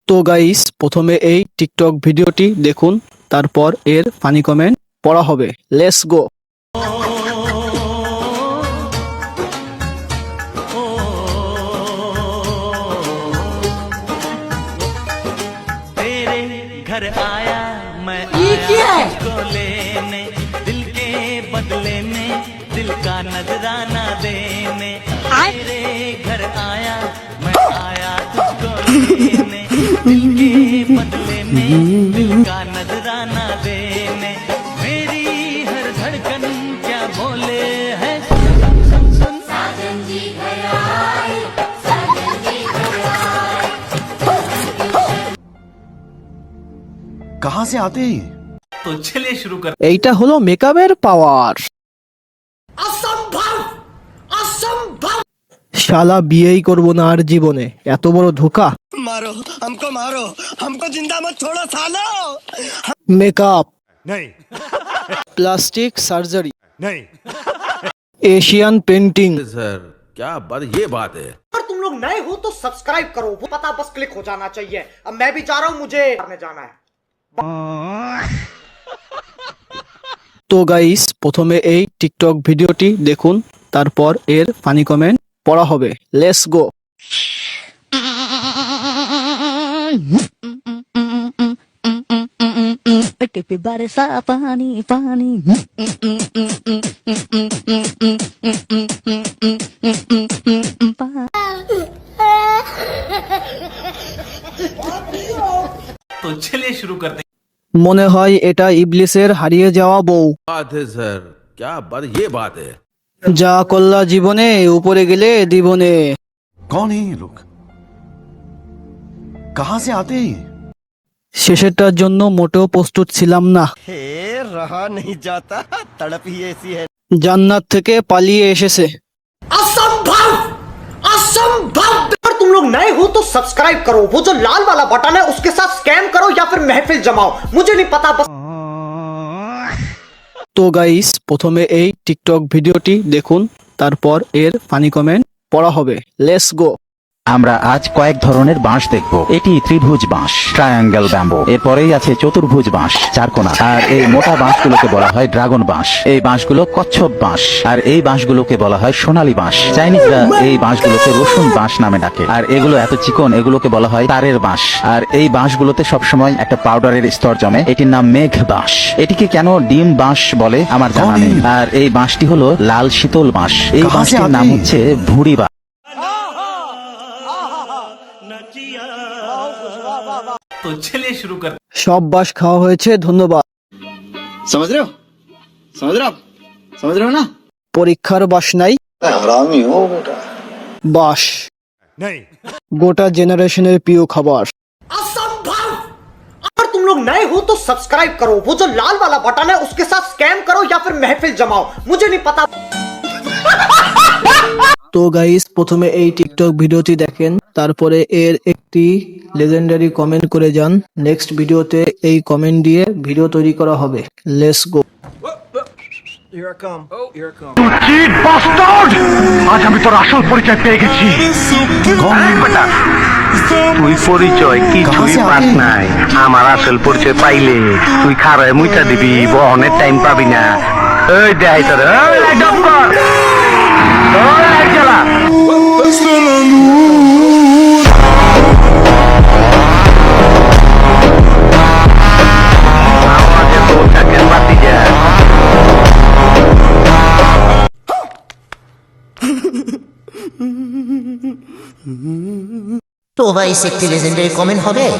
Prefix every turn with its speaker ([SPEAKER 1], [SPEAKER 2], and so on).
[SPEAKER 1] তো গাইস, প্রথমে এই টিকটক ভিডিওটি দেখুন, তারপর এর ফানি কমেন্ট পড়া হবে। Let's go.
[SPEAKER 2] तेरे घर आया मैं आया तुझको लेने, दिल के बदले में दिल का नजराना देने। तेरे घर आया मैं आया तुझको लेने, दिल के बदले में दिल का नजराना देने। मेरी हर धड़कन क्या बोले है, सुन सुन सुन साजन जी घर आए, साजन जी घर आए।
[SPEAKER 3] कहाँ से आते हैं?
[SPEAKER 2] तो चलिए शुरू कर।
[SPEAKER 1] এইটা হলো মেকআপের পাওয়ার। শালা বিয়েই করবো না আর জীবনে, এত বড় ধোঁকা।
[SPEAKER 3] मारो हमको जिंदा मत छोड़ो सालो।
[SPEAKER 1] মেকআপ,
[SPEAKER 3] नहीं
[SPEAKER 1] প্লাস্টিক সার্জারি,
[SPEAKER 3] नहीं
[SPEAKER 1] एशियन पेंटिंग।
[SPEAKER 4] सर क्या बात, ये बात है।
[SPEAKER 5] अगर तुम लोग नए हो तो सब्सक्राइब करो, वो पता बस क्लिक हो जाना चाहिए। अब मैं भी जा रहा हूँ, मुझे करने जाना है।
[SPEAKER 1] তো গাইস, প্রথমে এই টিকটক ভিডিওটি দেখুন, তারপর এর ফানি কমেন্ট পড়া হবে। Let's go.
[SPEAKER 6] के पे बरसा पानी पानी
[SPEAKER 2] तो चलिए शुरू करते हैं।
[SPEAKER 1] মনে হয় এটা ইবলিসের হারিয়ে যাওয়া বউ।
[SPEAKER 4] बात है सर, क्या बात, ये बात है।
[SPEAKER 1] যা কল্লা জীবনে, উপরে গেলে দিবনে।
[SPEAKER 3] कौन है ये लोग? कहाँ से आते हैं?
[SPEAKER 1] শেষেরটার জন্য মোটেও প্রস্তুত ছিলাম না।
[SPEAKER 3] रहा नहीं जाता, तड़प ही ऐसी है।
[SPEAKER 1] জান্নাত থেকে পালিয়ে এসেছে।
[SPEAKER 5] असंभव, असंभव। अगर तुम लोग नए हो तो सब्सक्राइब करो, वो जो लाल वाला बटन है उसके साथ स्कैम करो या फिर महफिल जमाओ, मुझे नहीं पता, बस।
[SPEAKER 1] তো গাইস, প্রথমে এই টিকটক ভিডিওটি দেখুন, তারপর এর ফানি কমেন্ট পড়া হবে। Let's go.
[SPEAKER 7] আমরা আজ কয়েক ধরনের বাঁশ দেখব। এটি ত্রিভুজ বাঁশ, ট্রায়াঙ্গেল ব্যাম্বো। এরপরেই আছে চতুর্ভুজ বাঁশ, চারকোনা। আর এই মোটা বাঁশগুলোকে বলা হয় ড্রাগন বাঁশ। এই বাঁশগুলো কচ্ছপ বাঁশ। আর এই বাঁশগুলোকে বলা হয় সোনালী বাঁশ। চাইনিজরা এই বাঁশগুলোকে রসুন বাঁশ নামে ডাকে। আর এগুলো এত চিকন, এগুলোকে বলা হয় তারের বাঁশ। আর এই বাঁশগুলোতে সবসময় একটা পাউডারের স্তর জমে, এটির নাম মেঘ বাঁশ। এটিকে কেন ডিম বাঁশ বলে আমার জানা নেই। আর এই বাঁশটি হলো লাল শীতল বাঁশ। এই বাঁশটির নাম হচ্ছে ভুঁড়ি বাঁশ।
[SPEAKER 2] तो चलिए शुरू कर।
[SPEAKER 1] সব বাস খাওয়া হয়েছে, ধন্যবাদ।
[SPEAKER 8] समझ रहे हो ना?
[SPEAKER 1] পরীক্ষার বাস নাই,
[SPEAKER 8] हरामी हो बेटा।
[SPEAKER 1] বাস
[SPEAKER 3] नहीं
[SPEAKER 1] গোটা জেনারেশনের প্রিয় খাবার।
[SPEAKER 5] असंभव। अगर तुम लोग नए हो तो सब्सक्राइब करो, वो जो लाल वाला बटन है उसके साथ स्कैम करो या फिर महफिल जमाओ, मुझे नहीं पता।
[SPEAKER 1] তো গাইস, প্রথমে এই টিকটক ভিডিওটি দেখেন, তারপরে এর একটি লেজেন্ডারি কমেন্ট করে যান। নেক্সট ভিডিওতে এই কমেন্ট দিয়ে ভিডিও তৈরি করা হবে। Let's go.
[SPEAKER 9] আজ আমি তোর আসল পরিচয় পেয়ে গেছি। তুই পরিচয় কিছুই পাস নাই। আমার আসল পরিচয় পাইলে তুই খারায় মুইটা দিবি, বহনের টাইম পাবি না। এই দেখাই তোর
[SPEAKER 10] তো ভাই, একটি লেজেন্ডারি কমেন্ট হবে।